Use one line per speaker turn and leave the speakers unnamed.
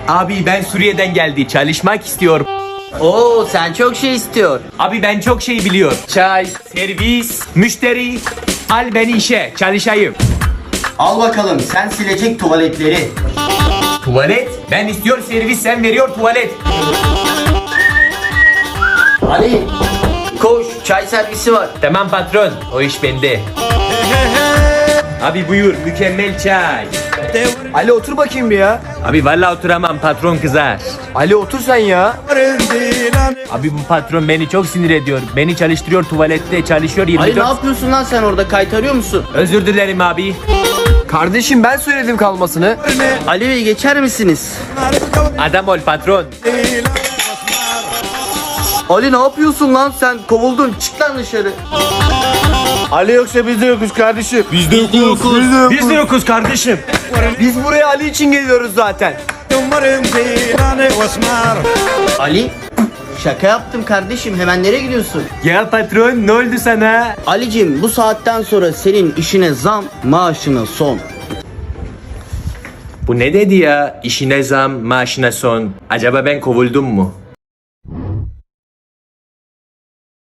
Abi ben Suriye'den geldi. Çalışmak istiyorum.
Oo, sen çok şey istiyor.
Abi ben çok şey biliyor.
Çay.
Servis, müşteri. Al beni işe. Çalışayım.
Al bakalım, sen silecek tuvaletleri.
Tuvalet. Ben istiyor servis, sen veriyor tuvalet.
Ali, koş, çay servisi var.
Tamam patron. O iş bende. Abi buyur. Mükemmel çay.
Ali otur bakayım bir ya.
Abi vallahi oturamam. Patron kızar.
Ali otur sen ya.
Abi bu patron beni çok sinir ediyor. Beni çalıştırıyor tuvalette. Çalışıyor 24.
Ali ne yapıyorsun lan sen orada, kaytarıyor musun?
Özür dilerim abi.
Kardeşim ben söyledim kalmasını.
Ali Bey geçer misiniz?
Adam ol patron.
Ali ne yapıyorsun lan sen, kovuldun, çık lan dışarı.
Ali yoksa biz de yokuz kardeşim.
Biz de yokuz kardeşim.
Biz buraya Ali için geliyoruz zaten.
Ali, şaka yaptım kardeşim, hemen nereye gidiyorsun?
Ya patron ne oldu sana?
Alicim, bu saatten sonra senin işine zam, maaşına son.
Bu ne dedi ya? İşine zam, maaşına son. Acaba ben kovuldum mu?